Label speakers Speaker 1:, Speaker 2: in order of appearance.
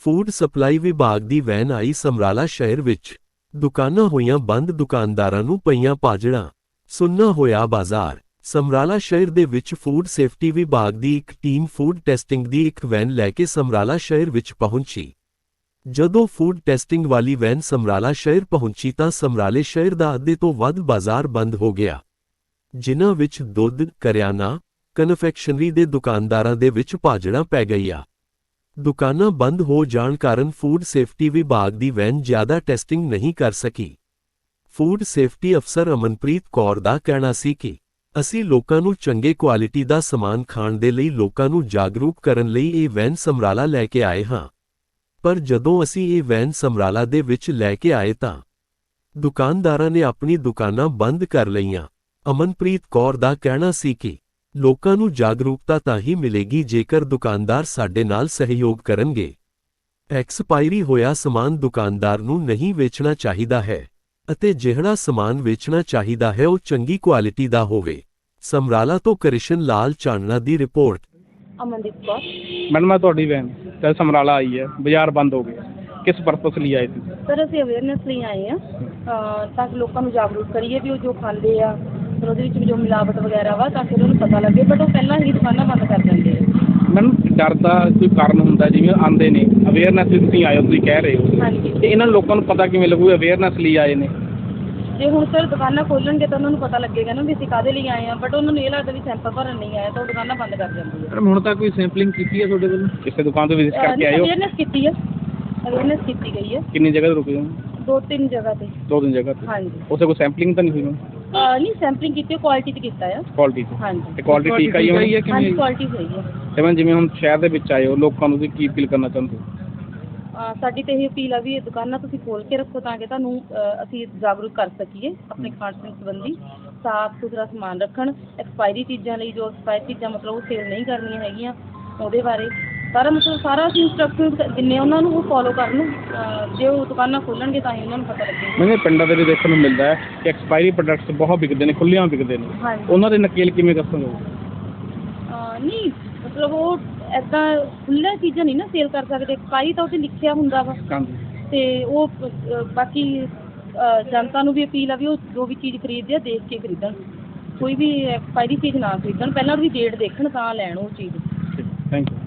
Speaker 1: Food supply ਵਿਭਾਗ ਦੀ van ਆਈ ਸਮਰਾਲਾ ਸ਼ਹਿਰ ਵਿੱਚ। ਦੁਕਾਨਾਂ ਹੋਈਆਂ ਬੰਦ, ਦੁਕਾਨਦਾਰਾਂ ਨੂੰ ਪਈਆਂ ਭਾਜੜਾਂ, ਸੁੰਨਾ ਹੋਇਆ ਬਾਜ਼ਾਰ। ਸਮਰਾਲਾ ਸ਼ਹਿਰ ਦੇ ਵਿੱਚ ਫੂਡ ਸੇਫਟੀ ਵਿਭਾਗ ਦੀ ਇੱਕ ਟੀਮ ਫੂਡ ਟੈਸਟਿੰਗ ਦੀ ਇੱਕ ਵੈਨ ਲੈ ਕੇ ਸਮਰਾਲਾ ਸ਼ਹਿਰ ਵਿੱਚ ਪਹੁੰਚੀ। ਜਦੋਂ ਫੂਡ ਟੈਸਟਿੰਗ ਵਾਲੀ ਵੈਨ ਸਮਰਾਲਾ ਸ਼ਹਿਰ ਪਹੁੰਚੀ ਤਾਂ ਸਮਰਾਲੇ ਸ਼ਹਿਰ ਦਾ ਅੱਧੇ ਤੋਂ ਵੱਧ ਬਾਜ਼ਾਰ ਬੰਦ ਹੋ ਗਿਆ, ਜਿਨ੍ਹਾਂ ਵਿੱਚ ਦੁੱਧ, ਕਰਿਆਨਾ, ਕਨਫੈਕਸ਼ਨਰੀ ਦੇ ਦੁਕਾਨਦਾਰਾਂ ਦੇ ਵਿੱਚ ਭਾਜੜਾਂ ਪੈ ਗਈਆਂ। ਦੁਕਾਨਾਂ ਬੰਦ ਹੋ ਜਾਣ ਕਾਰਨ ਫੂਡ ਸੇਫਟੀ ਵਿਭਾਗ ਦੀ ਵੈਨ ਜ਼ਿਆਦਾ ਟੈਸਟਿੰਗ ਨਹੀਂ ਕਰ ਸਕੀ। ਫੂਡ ਸੇਫਟੀ ਅਫਸਰ ਅਮਨਪ੍ਰੀਤ ਕੌਰ ਦਾ ਕਹਿਣਾ ਸੀ ਕਿ ਅਸੀਂ ਲੋਕਾਂ ਨੂੰ ਚੰਗੇ ਕੁਆਲਿਟੀ ਦਾ ਸਮਾਨ ਖਾਣ ਦੇ ਲਈ ਲੋਕਾਂ ਨੂੰ ਜਾਗਰੂਕ ਕਰਨ ਲਈ ਇਹ ਵੈਨ ਸਮਰਾਲਾ ਲੈ ਕੇ ਆਏ ਹਾਂ। ਪਰ ਜਦੋਂ ਅਸੀਂ ਇਹ ਵੈਨ ਸਮਰਾਲਾ ਦੇ ਵਿੱਚ ਲੈ ਕੇ ਆਏ ਤਾਂ ਦੁਕਾਨਦਾਰਾਂ ਨੇ ਆਪਣੀ ਦੁਕਾਨਾਂ ਬੰਦ ਕਰ ਲਈਆਂ। ਅਮਨਪ੍ਰੀਤ ਕੌਰ ਦਾ ਕਹਿਣਾ ਸੀ ਕਿ ਲੋਕਾਂ ਨੂੰ ਜਾਗਰੂਕਤਾ ਤਾਂ ਹੀ ਮਿਲੇਗੀ ਜੇਕਰ ਦੁਕਾਨਦਾਰ ਸਾਡੇ ਨਾਲ ਸਹਿਯੋਗ ਕਰਨਗੇ। ਐਕਸਪਾਇਰੀ ਹੋਇਆ ਸਮਾਨ ਦੁਕਾਨਦਾਰ ਨੂੰ ਨਹੀਂ ਵੇਚਣਾ ਚਾਹੀਦਾ ਹੈ ਅਤੇ ਜਿਹੜਾ ਸਮਾਨ ਵੇਚਣਾ ਚਾਹੀਦਾ ਹੈ ਉਹ ਚੰਗੀ ਕੁਆਲਿਟੀ ਦਾ ਹੋਵੇ। ਸਮਰਾਲਾ ਤੋਂ ਕ੍ਰਿਸ਼ਨ ਲਾਲ ਚਾਨਣਾ ਦੀ ਰਿਪੋਰਟ।
Speaker 2: ਅਮਨਦੀਪ ਕੌਰ।
Speaker 3: मैडम मैं ਤੁਹਾਡੀ ਵੈਨ ਤੇ ਸਮਰਾਲਾ ਆਈ ਹੈ, ਬਾਜ਼ਾਰ ਬੰਦ ਹੋ ਗਿਆ, ਕਿਸ ਪਰਪਸ ਲਈ ਆਏ ਸੀ?
Speaker 2: ਸਰ ਅਸੀਂ ਅਵੇਅਰਨੈਸ ਲਈ ਆਏ ਹਾਂ ਤਾਂ ਕਿ ਲੋਕਾਂ ਨੂੰ ਜਾਗਰੂਕ ਕਰੀਏ ਵੀ ਉਹ ਜੋ ਖਾਂਦੇ ਆ ਫਿਰ ਉਹਦੇ ਵਿੱਚ ਵੀ ਜੋ ਮਿਲਾਵਟ ਵਗੈਰਾ ਵਾ ਤਾਂ ਕਿ ਉਹਨਾਂ ਨੂੰ ਪਤਾ ਲੱਗੇ, ਬਟ ਉਹ ਪਹਿਲਾਂ ਹੀ ਦੁਕਾਨਾਂ ਬੰਦ ਕਰ ਦਿੰਦੇ ਆ।
Speaker 3: ਮੈਡਮ ਡਰ ਦਾ ਕੋਈ ਕਾਰਨ ਹੁੰਦਾ, ਜਿਵੇਂ ਆਉਂਦੇ ਨੇ ਅਵੇਅਰਨੈਸ ਲਈ ਤੁਸੀਂ ਆਏ ਹੋ, ਤੁਸੀਂ ਕਹਿ ਰਹੇ ਹੋ,
Speaker 2: ਹਾਂਜੀ।
Speaker 3: ਤੇ ਇਹਨਾਂ ਲੋਕਾਂ ਨੂੰ ਪਤਾ ਕਿਵੇਂ ਲੱਗੂ ਅਵੇਅਰਨੈਸ ਲਈ ਆਏ ਨੇ?
Speaker 2: ਜੇ ਹੁਣ ਸਰ ਦੁਕਾਨਾਂ ਖੋਲਣਗੇ ਤਾਂ ਉਹਨਾਂ ਨੂੰ ਪਤਾ ਲੱਗੇਗਾ ਨਾ ਵੀ ਅਸੀਂ ਕਾਹਦੇ ਲਈ ਆਏ ਆ, ਬਟ ਉਹਨਾਂ ਨੂੰ ਇਹ ਲੱਗਦਾ ਵੀ ਸੈਂਪਲ ਭਰਨ ਨਹੀਂ ਆਇਆ ਤਾਂ ਉਹ ਦੁਕਾਨਾਂ ਬੰਦ ਕਰ ਦਿੰਦੇ ਆ।
Speaker 3: ਮੈਡਮ ਹੁਣ ਤੱਕ ਕੋਈ ਸੈਂਪਲਿੰਗ ਕੀਤੀ ਹੈ ਤੁਹਾਡੇ ਵੱਲੋਂ? ਕਿਸੇ ਦੁਕਾਨ ਤੋਂ ਵਿਜ਼ਿਟ ਕਰਕੇ ਆਏ ਹੋ?
Speaker 2: ਅਵੇਅਰਨੈਸ ਕੀਤੀ ਹੈ, ਅਵੇਅਰਨੈਸ ਕੀਤੀ ਗਈ ਹੈ।
Speaker 3: ਕਿੰਨੀ ਜਗ੍ਹਾ ਤੇ ਰੁਕੇ ਹੋ?
Speaker 2: 2-3 ਜਗ੍ਹਾ ਤੇ।
Speaker 3: 2-3 ਜਗ੍ਹਾ ਤੇ?
Speaker 2: ਹਾਂਜੀ।
Speaker 3: ਉੱਥੇ ਕੋਈ ਸੈਂਪਲਿੰਗ ਤਾਂ ਨਹੀਂ ਹੋਈ ਮੈਮ?
Speaker 2: ਨਹੀਂ ਸੈਂਪਲਿੰਗ ਕੀਤੀ, ਕੁਆਲਿਟੀ ਤੇ ਕੀਤਾ ਆ।
Speaker 3: ਕੁਆਲਿਟੀ ਤੇ?
Speaker 2: ਹਾਂਜੀ।
Speaker 3: ਤੇ ਕੁਆਲਿਟੀ ਠੀਕ ਆਈ ਹੋਈ ਹੈ?
Speaker 2: ਹਾਂਜੀ ਕੁਆਲਿਟੀ ਸਹੀ ਹੈ।
Speaker 3: ਤੇ ਮੈਮ ਜਿਵੇਂ ਹੁਣ ਸ਼ਹਿਰ ਦੇ ਵਿੱਚ ਆਏ ਹੋ, ਲੋਕਾਂ ਨੂੰ ਤੁਸੀਂ ਕੀ ਅਪੀਲ ਕਰਨਾ ਚਾਹੁੰਦੇ ਹੋ?
Speaker 2: ਸਾਡੀ ਤਾਂ ਇਹ ਅਪੀਲ ਆ ਵੀ ਇਹ ਦੁਕਾਨਾਂ ਤੁਸੀਂ ਖੋਲ੍ਹ ਕੇ ਰੱਖੋ ਤਾਂ ਕਿ ਤੁਹਾਨੂੰ ਅਸੀਂ ਜਾਗਰੂਕ ਕਰ ਸਕੀਏ ਆਪਣੇ ਖਾਣ ਪੀਣ ਸੰਬੰਧੀ। ਸਾਫ਼ ਸੁਥਰਾ ਸਮਾਨ ਰੱਖਣ, ਐਕਸਪਾਇਰੀ ਚੀਜ਼ਾਂ ਲਈ ਜੋ ਐਕਸਪਾਇਰੀ ਚੀਜ਼ਾਂ ਮਤਲਬ ਉਹ ਸੇਲ ਨਹੀਂ ਕਰਨੀਆਂ ਹੈਗੀਆਂ, ਉਹਦੇ ਬਾਰੇ ਸਾਰਾ ਅਸੀਂ ਇੰਸਟਰਕਸ਼ਨ ਦਿੰਦੇ ਉਹਨਾਂ ਨੂੰ, ਉਹ ਫੋਲੋ ਕਰਨ। ਜੇ ਉਹ ਦੁਕਾਨਾਂ ਖੋਲ੍ਹਣਗੇ ਤਾਂ ਹੀ ਉਹਨਾਂ ਨੂੰ ਪਤਾ ਲੱਗੇਗਾ।
Speaker 3: ਮੈਨੂੰ ਪਿੰਡਾਂ ਦੇ ਵਿੱਚ ਦੇਖਣ ਨੂੰ ਮਿਲਦਾ ਹੈ ਕਿ ਐਕਸਪਾਇਰੀ ਪ੍ਰੋਡਕਟਸ ਬਹੁਤ ਵਿਕਦੇ ਨੇ, ਖੁੱਲ੍ਹਿਆਂ ਵਿਕਦੇ ਨੇ।
Speaker 2: ਹਾਂਜੀ।
Speaker 3: ਉਹਨਾਂ ਦੇ ਨਕੇਲ ਕਿਵੇਂ ਦੱਸੋਗੇ?
Speaker 2: ਨਹੀਂ ਮਤਲਬ ਉਹ ਇੱਦਾਂ ਖੁੱਲ੍ਹੀਆਂ ਚੀਜ਼ਾਂ ਨਹੀਂ ਨਾ ਸੇਲ ਕਰ ਸਕਦੇ, ਐਕਸਪਾਇਰੀ ਤਾਂ ਉੱਥੇ ਲਿਖਿਆ ਹੁੰਦਾ ਵਾ। ਅਤੇ ਉਹ ਬਾਕੀ ਜਨਤਾ ਨੂੰ ਵੀ ਅਪੀਲ ਆ ਵੀ ਉਹ ਜੋ ਵੀ ਚੀਜ਼ ਖਰੀਦਦੇ ਆ ਦੇਖ ਕੇ ਖਰੀਦਣ, ਕੋਈ ਵੀ ਐਕਸਪਾਇਰੀ ਚੀਜ਼ ਨਾ ਖਰੀਦਣ, ਪਹਿਲਾਂ ਉਹਦੀ ਡੇਟ ਦੇਖਣ ਤਾਂ ਲੈਣ ਉਹ ਚੀਜ਼।
Speaker 3: Thank you.